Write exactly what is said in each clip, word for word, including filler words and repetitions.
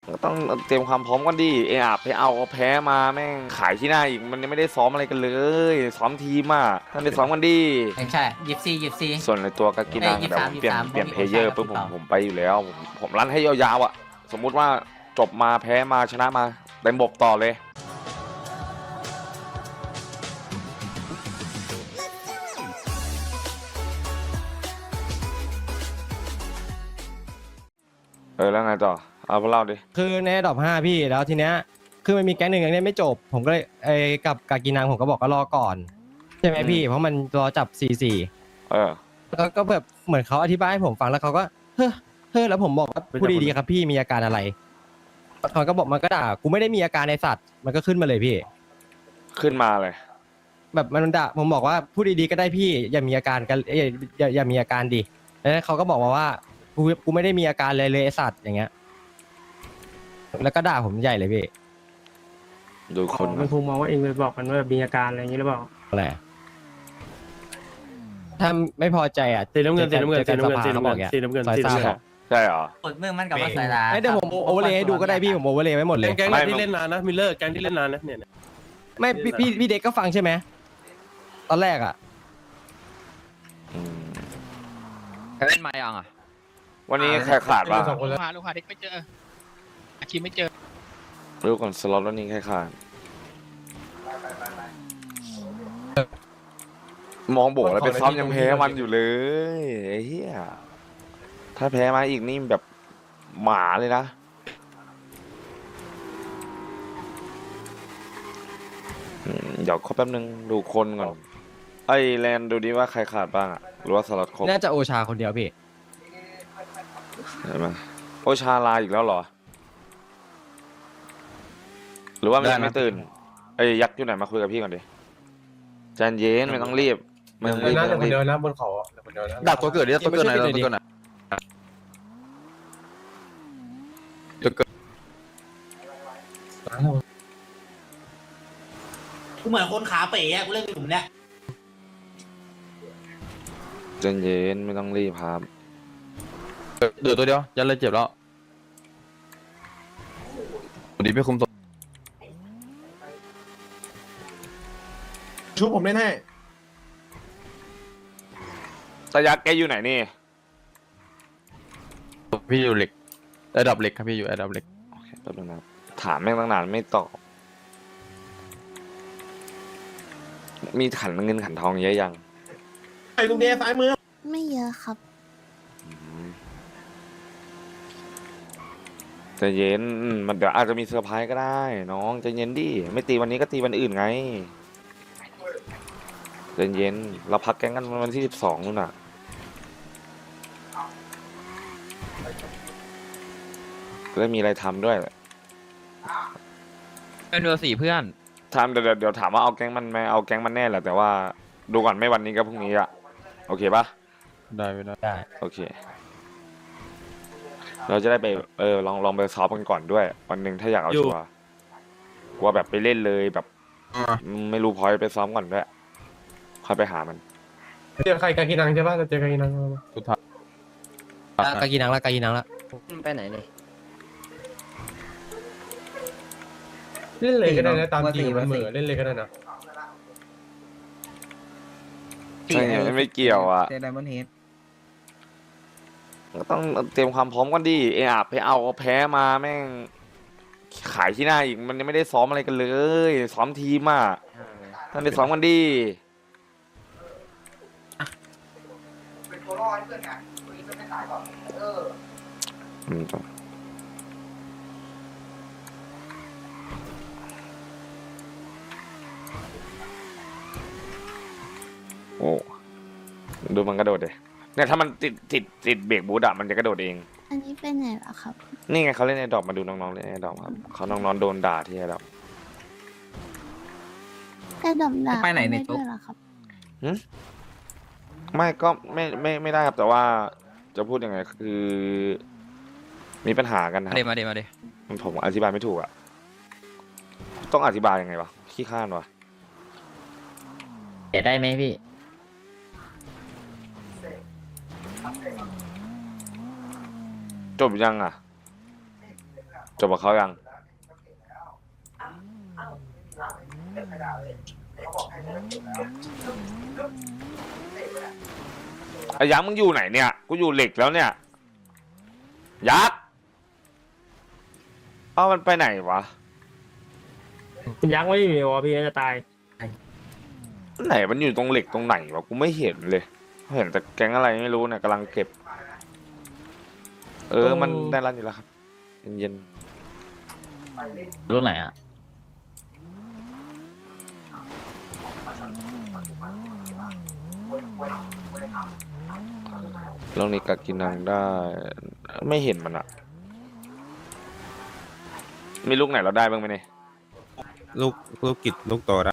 ก็ต้องเตรียมความพร้อมกันดิเออาไปเอาแพ้มาแม่งขายที่หน้าอีกมันยังไม่ได้ซ้อมอะไรกันเลยซ้อมทีมอ่ะท่านไปซ้อมกันดิใช่ยิบซียิบซีส่วนในตัวกากินังเอ้ยแบบเปลี่ยนยี่สิบสามเปลี่ยนยี่เพสิบสามลเยอร์ปุ๊บผมผมพี่เปาผมไปอยู่แล้วผมผมรันให้ยาวๆอ่ะสมมุติว่าจบมาแพ้มาชนะมาเต็มบบต่อเลยเออแล้วไงต่อเอาพวกเราดิคือในดอบห้าพี่แล้วทีเนี้ยคือมันมีแก๊งหนึ่งยังเล่นไม่จบ ผมก็เลยไอ้กับกากินังผมก็บอกก็รอก่อนใช่ไหมพี่เพราะมันรอจับสี่สี่เออแล้วก็แบบเหมือนเขาอธิบายให้ผมฟังแล้วเขาก็เฮ้อเฮ้อแล้วผมบอกว่าพูดดีๆครับพี่มีอาการอะไรเขาก็บอกมันก็ด่ากูไม่ได้มีอาการในสัตว์มันก็ขึ้นมาเลยพี่ขึ้นมาเลยแบบมันด่าผมบอกว่าพูดดีๆก็ได้พี่อย่ามีอาการกันอย่าอย่าอย่ามีอาการดิแล้วเขาก็บอกมาว่ากูกูไม่ได้มีอาการเลยเลยไอสัตว์อย่างเงี้ยแล้วก็ด่าผมใหญ่เลยพี่ดูคนมันคงมองว่าเองไปบอกมันว่ามีอาการอะไรอย่างนี้หรือเปล่าอะไรถ้าไม่พอใจอ่ะสีน้ำเงินสีน้ำเงินสีน้ำเงินสีเขาน้ำบเงิอน กอย่างสีน้ำเงินซอยสีซ่าน้ำเงิบนอกใช่เหรอกดมือมันกับว่าใส่ร้ายไอ้เดี๋ยวผมโอเวอร์เลยให้ดูก็ได้พี่ผมโอเวอร์เลยไว้หมดเลยแก๊งไม่ที่เล่นนานนะมิลเลอร์แก๊งที่เล่นนานนะเนี่ยไม่พี่พี่พี่เด็กก็ฟังใช่ไหมตอนแรกอ่ะอืมเล่นมายังอ่ะวันนี้ใครขาดบ้างลูกหาลูกหาเด็กไม่เจออาคิมไม่เจอรู้ก่อนสล็อตวันนี้ใครขาดมองโบแล้วไปซ้อมยังแพ้มันอยู่เลยไอ้เหี้ยถ้าแพ้มาอีกนี่แบบหมาเลยนะอืมเดี๋ยวขอแป๊บนึงดูคนก่อนไอ้แลนดูดิว่าใครขาดบ้างอะหรือว่าสล็อตครบน่าจะโอชาคนเดียวพี่เห็นไหมโอชาลาอีกแล้วเหรอ หรือว่ามันยังไม่ตื่นไอ้ยยักษ์อยู่ไหนมาคุยกับพี่ก่อนดิใจเย็นไม่ต้องรีบไม่ต้องรีบไม่ต้องรีบดับตัวเกิดดิตัวเกิดไหนตัวเกิดไหนตัวเกิดกูเหมือนคนขาเป๋อะกูเล่นกลุ่มเนี้ยใจเย็นไม่ต้องรีบครับเดือดตัวเดียวยันเลยเจ็บแล้วดีไม่คุมตัวชุบผมเล่นให้ตายักษ์แกอยู่ไหนนี่พี่อยู่เหล็กระดับเหล็กครับพี่อยู่ระดับเหล็กโอเคแป๊บนึงนะครับถามแม่งตั้งนานไม่ตอบมีขันเงินขันทองเยอะยังไอ้ลุงเดย์ซ้ายมือไม่เยอะครับอืมใจเย็นอืมมันเดี๋ยวอาจจะมีเซอร์ไพรส์ก็ได้น้องใจเย็นดิไม่ตีวันนี้ก็ตีวันอื่นไงใจเย็นเราพักแก๊งกันวันที่สิบสองนู่นน่ะจะได้มีอะไรทำด้วยเป็นเรือสี่เพื่อนทำเดี๋ยวเดี๋ยวเดี๋ยวถามว่าเอาแก๊งมันไหมเอาแก๊งมันแน่แหละแต่ว่าดูก่อนไม่วันนี้ก็พรุ่งนี้อะโอเคปะได้ไม่ได้ได้โอเค เราจะได้ไปเออลองลองไปซ้อมกันก่อนด้วย วันหนึ่งถ้าอยากเอาชัวร์กลัวแบบไปเล่นเลยแบบไม่รู้พอยไปซ้อมก่อนด้วยค่อยไปหามันเจอใครกากินังใช่ป่ะจะเจอกากินังสุดท้ายกากีนังละกากีนังละไปไหนเลยเล่นเลยก็ได้นะตามจริงมันเหมือเล่นเลยก็ได้นะใช่ไงไม่เกี่ยวอ่ะเจอไดมอนด์เฮดก็ต้องเตรียมความพร้อมกันดิเออาไปเอาแพ้มาแม่งขายที่หน้าอีกมันยังไม่ได้ซ้อมอะไรกันเลยซ้อมทีมอ่ะท่านไปซ้อมกันดิอืมโอ้ดูมันกระโดดเลยเนี่ยถ้ามันติดติดติดเบรกบูทอะมันจะกระโดดเองอันนี้เป็นไหนเหรอครับนี่ไงเขาเล่นในดอกมาดูน้องๆเล่นในดอกครับเขาน้องๆโดนด่าที่ไอ้ดอกแค่ดมด่าไปไหนในด้ตุ๊ด้กวยเหรอครับไม่ก็ไม่ไม่ไม่ได้ครับแต่ว่าจะพูดยังไงคือ มีปัญหากันนะคมาเดรับมาเดมาเดผมอธิบายไม่ถูกอะต้องอธิบายยังไงวะขี้ข้านวะเดี๋ยวได้ไหมพี่จบยังอะจบกับเขายังไอ้ยักษ์มึงอยู่ไหนเนี่ยกูอยู่เหล็กแล้วเนี่ยยักษ์เอ้ามันไปไหนวะยักษ์ไม่มีวะพี่จะตายไหนมันอยู่ตรงเหล็กตรงไหนวะกูไม่เห็นเลยเห็นแต่แก๊งอะไรไม่รู้เนี่ยกำลังเก็บ เออมันได้รันอยู่แล้วครับเย็นรุ่นไหนอ่ะๆลองนี้กักินังได้ ไม่เห็นมันอะมีลูกไหนเราได้บ้างไหมเนี่ยลูกลูกกิจลูกโตแล้ว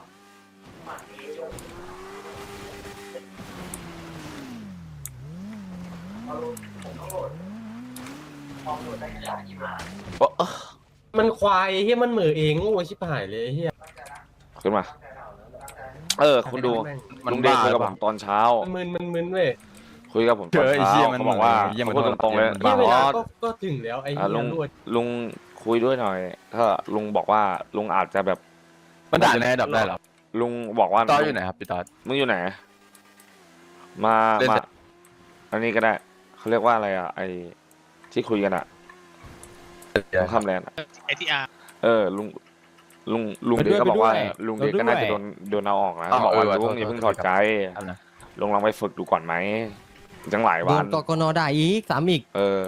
โอ้เอ้อมันควายไอ้เฮียมันเหมือเองโง่ชิบหายเลยไอ้เฮียขึ้นมา เออ คุณดูมันลุงเดชบ้าคุยหรืกับอเปผล่ามตอนเช้ามันมึนมันมึนเว้ยคุยกับผมตอนเจอไอ้เช้าเหี้ยมันเขาบอกว่าเหี้ยมันพูดตรงๆเลยมันเฮียบ้าเวบอลาสก็ก็ถึงแล้วไอ้อ่ะเฮีลุยงรวดลุงคุยด้วยหน่อย ถ้าลุงบอกว่าลุงอาจจะแบบมันด่าในดับได้เหรอลุงบอกว่าตอนอยู่ไหนครับพี่ตอนมึงอยู่ไหน มาเล่นมาเสร็จอันนี้ก็ได้ เขาเรียกว่าอะไรอ่ะ ไอที่คุยกันอ่ะตรงข้ามแลนด์อะไอทีอาร์เออ ลุง ลุง ลุงเด็กก็บอกว่า ลุงเด็กก็น่าจะโดนโดนเอาออกนะอ๋อบอกว่าเออว่ะลุงโทษอย่าเพิ่งโทถอษดใจครับนะลุงลองไปฝึกดูก่อนไหมจังหลายโดวัน นกกนด่าอีกสามอีกเออ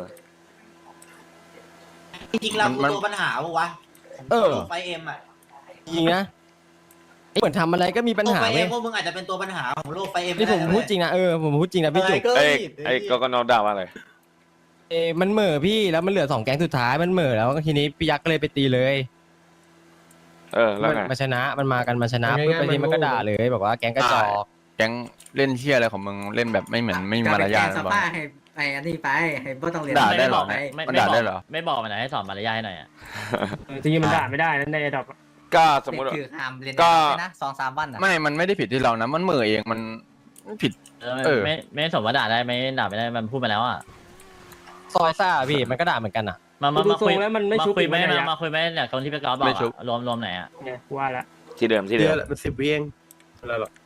จริงๆเรามันตัวปัญหาปะวะเออไฟเอ็มอ่ะจริงนะไอ้เหมือนทำอะไรก็มีปัญโลกหาไฟเว้เอ็ยมพวกมึงอาจจะเป็นตัวปัญหาของโลกไฟเอ็มนี่ผมพูดจริงนะเออผมพูดจริงนะพี่จุกเอ้ยไอ้ก็ก็นอนด่าว่าอะไรเอมันเหม่อพี่แล้วมันเหลือสองแก๊งสุดท้ายมันเหม่อแล้วทีนี้พี่ยักษ์ก็เลยไปตีเลยเออ แล้วมันไงมาชนะมันมากันมาชนะปุ๊บไปทีมันก็ด่าเลยบอกว่าแก๊งกระจอกแก๊งเล่นเที่ยอะไรของมึงเล่นแบบไม่เหมือนไม่มีมารยาทสนะบอลภาให้ไอ้อันนี้ไปให้บ่ต้องเรียนด่าได้เหรอไปมันด่าได้เหรอไม่บอกมันหน่อยให้สอนมารยาทให้หน่อยอ่ะจริงๆมันด่าไม่ได้นั่นในดับก็สมมติคือห้ามเรียนก็นะสองสามวันอ่ะไม่ มันไม่ได้ผิดที่เรานะ มันเหม่อเอง มันผิด เออไม่ไม่สมว่าด่าได้ไม่ด่าไม่ได้มันพูดมาแล้วอ่ะซอยซ่าพี่มันก็ด่าเหมือนกันอ่ะมามาดูมาทรคุยงแล้วมันไม่มาชุบคุยไหมอีกมานะมาคุยไหมเนี่ยคนที่ไปกอล์ฟบอไม่กชุบอะรวมรวมไหนอ่ะเนี่ยว่าละที่เดิมที่เดืเดิอนมละมันสิบวิเองอะไรหรอ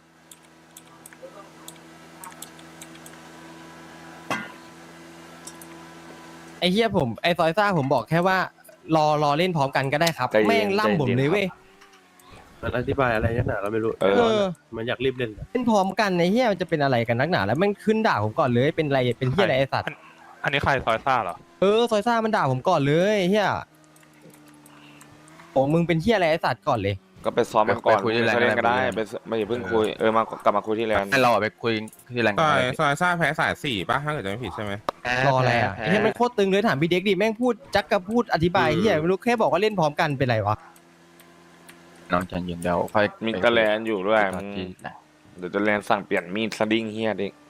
ไอ้เฮียผมไอ้ซอยซ่าผมบอกแค่ว่ารอรอเล่นพร้อมกันก็ได้ครับใจเย็นแม่งล่ำผมใจเย็นเลยเว้ยมันอธิบายอะไรนักหนาเราไม่รู้เออเออมันอยากรีบเล่นเล่นพร้อมกันไอ้เฮียมันจะเป็นอะไรกันนักหนาแล้วแม่งขึ้นด่าผมก่อนเลยเป็นอะไรเป็นเฮียอะไรไอ้สัตว์อันนี้ใครซอยซ่าเหรอเออซอยซ่ามันด่าผมก่อนเลยเฮียโอ้มึงเป็นเฮียอะไรไอ้สัตว์ก่อนเลยก็ไปซ้อมกันก่อนไปคุยที่แลนด์ไปเล่นก็ได้ก็ได้ไปไม่อย่าเพิ่งคุย เออ มากลับมาคุยที่แลนด์ให้เราอะไปคุยที่แรงซงาอน ยเลยซอยซ่าแพ้สายสี่ป่ะถ้าเกิดจะไม่ผิดใช่ไหมรออะไรอ่ะไอ้เฮียมันโคตรตึงเลยถามพี่เด็กดิแม่งพูดจักกับพูดอธิบายเฮียไม่รู้แค่บอกว่าเล่นพร้อมกันเป็นไรวะน้องใจเย็นเดี๋ยวค่อยมีกระแลนอยู่ด้วยไปมึงที่ไหนเดี๋ยวจะแลนสั่งเปลี่ยนมีดสดิ้งเฮียดิ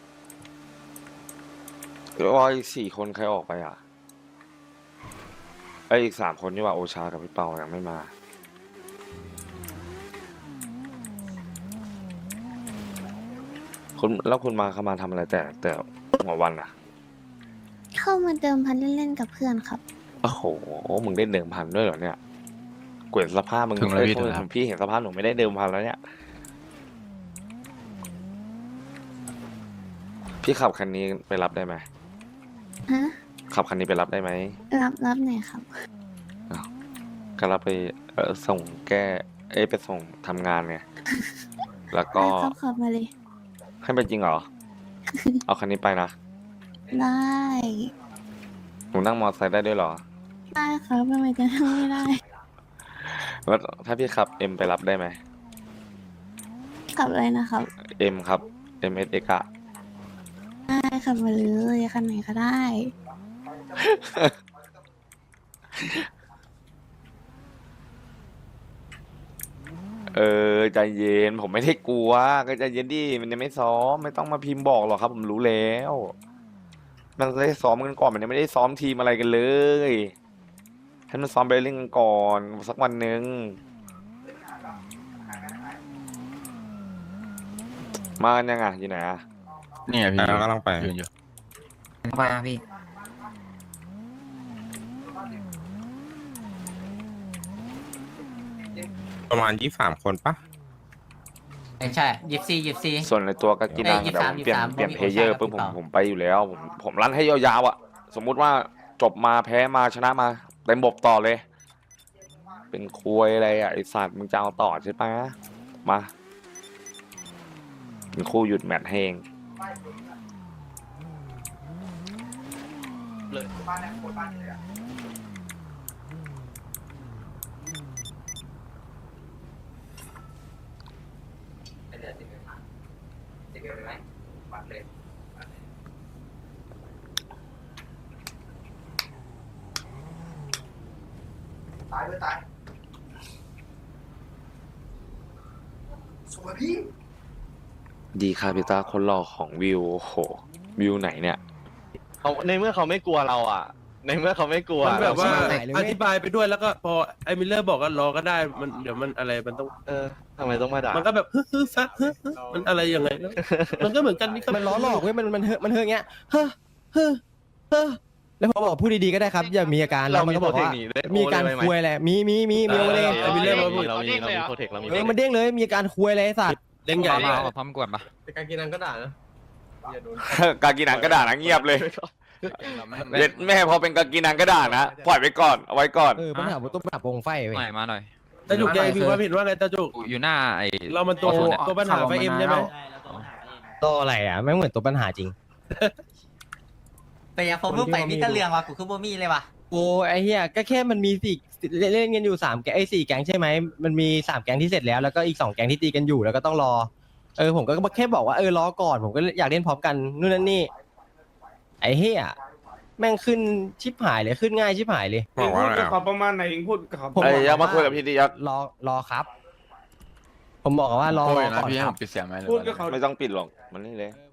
ว่าอีกสี่คนใครออกไปอ่ะไออีกสามคนนี่ว่าโอชากับพี่เปายังไม่มา คุณแล้วคุณมาเข้ามาทำอะไรแต่แต่หัววันอ่ะเข้ามาเดิมพันเล่นๆกับเพื่อนครับโอ้โห มึงได้เดิมพันด้วยเหรอเนี่ยเกวยสภาพมึงถึงแล้วเอ้ยพี่โทษถึงแล้วผมพี่เห็นสภาพหนูไม่ได้เดิมพันแล้วเนี่ย พี่ขับคันนี้ไปรับได้ไหมฮะขับคันนี้ไปรับได้ไหมรับรับหน่อยครับก็รับไปเออส่งแก้ เอ้ยไปส่งทำงานไง แล้วก็ได้ครับขับมาเลยให้ไปจริงเหรอ เอาคันนี้ไปนะได้หนูนั่งมอเตอร์ไซค์ได้ด้วยเหรอได้ครับทำไมจะทำไม่ได้แล้วถ้าพี่ขับเอ็มไปรับได้ไหมขับอะไรนะครับเอ็มครับเอ็มเอสเอกอะได้ขับมาเลยคันไหนก็ได้เออใจเย็นผมไม่ได้กลัวก็ใจเย็นดิมันยังไม่ซ้อมไม่ต้องมาพิมพ์บอกหรอกครับ ผมรู้แล้ว มันได้ซ้อมกันก่อนมันยังไม่ได้ซ้อมทีมอะไรกันเลยให้มันซ้อมไปเล่นกันก่อนสักวันหนึ่งมากันยังอ่ะอยู่ไหนอ่ะนี่ไงพี่อ่ากำลังไปยืนอยู่มาพี่ประมาณยี่สามคนปะไม่ใช่ยิบซียิบซีส่วนในตัวกากินังเอ้ยเดี๋ยวผมเปลี่ยนยี่สิบสามเปลี่ยนยี่เพสิบสามเยอร์ผมมีปุ๊บผมโอกาสผมไปอยู่แล้ว ผมผมรันให้ยาวๆอ่ะ สมมุติว่าจบมาแพ้มาชนะมาเต็มบบต่อเลย เป็นควยอะไรอ่ะไอสัตว์มึงจะเอาต่อใช่ปะมาเป็นคู่หยุดแมตช์ให้เอง ดีครับพี่ตาคนหล่อของวิวโหวิวไหนเนี่ยเขาในเมื่อเขาไม่กลัวเราอ่ะ ในเมื่อเขาไม่กลัวมันแบบว่าไหนเลยอเว้ยธิบายไปด้วยแล้วก็พอไอ้มิลเลอร์บอกก็รอก็ได้มันเดี๋ยวมันอะไรมันต้องเออทำไมต้องมาด่ามันก็แบบฮึฮึซักฮึฮึมันอะไรยังไงแล้วมันก็เหมือนกันนี่ก็มันล้อหลอกเว้ยมันมันเฮอะมันเฮอะอย่างเงี้ยเฮ้อเฮ้อเฮ้อแล้วพอบอกพูดดีๆก็ได้ครับ อย่ามีอาการแล้วมันก็บอกว่ามีอาการคุยอะไรมีมีมีมีโอเลยไอ้มิลเลอร์เรามีเรามีเรามีโปรเทคเรามีเออมันเด้งเลยมีอาการคุยอะไรไอ้สัตว์เล่นใหญ่เลยพร้อมกวนปะแต่การกินนังก็ด่านะกากินังก็ด่านะเงียบเลยเด็ดแม่พอเป็นกากินังก็ด่านะปล่อยไว้ก่อนเอาไว้ก่อนเออปัญหาต้นปัญหาโปร่งไฟเว้ยหน่อยมาหน่อยตาจุกแกมีความเห็นว่าไงตาจุกอยู่หน้าไอ้เรามันตัวตัวปัญหาไฟเอ็มใช่ไหมตัวอะไรอ่ะไม่เหมือนตัวปัญหาจริงแต่ยังผมเพิ่งไปมิตรเรืองว่ะกูคือบ่มีเลยว่ะโอ้ไอ้เหี้ยก็แค่มันมีสี่เล่นเล่นกันอยู่สามแก๊งไอ้สี่แก๊งใช่ไหมมันมีสามแก๊งที่เสร็จแล้วแล้วก็อีกสองแก๊งที่ตีกันอยู่แล้วก็ต้องรอเออผมก็แค่บอกว่าเออรอก่อนผมก็อยากเล่นพร้อมกันนู่นนั่นนี่ไอ้เหี้ยแม่งขึ้นชิบหายเลยขึ้นง่ายชิบหายเลยบอกว่าอะไรเขาประมาณไหนเองพูดกับเขาผมไอ้บอกยักษ์มาว่าคุยกับพี่ดิยักษ์รอรอครับ ผมบอกว่ารอโอ้รยอนะก่อนพี่ให้คผรับมปิดเสียงไหมหรือพูดว่ากับเขาไม่ต้องปิดหรอกมันนี่เลยเอ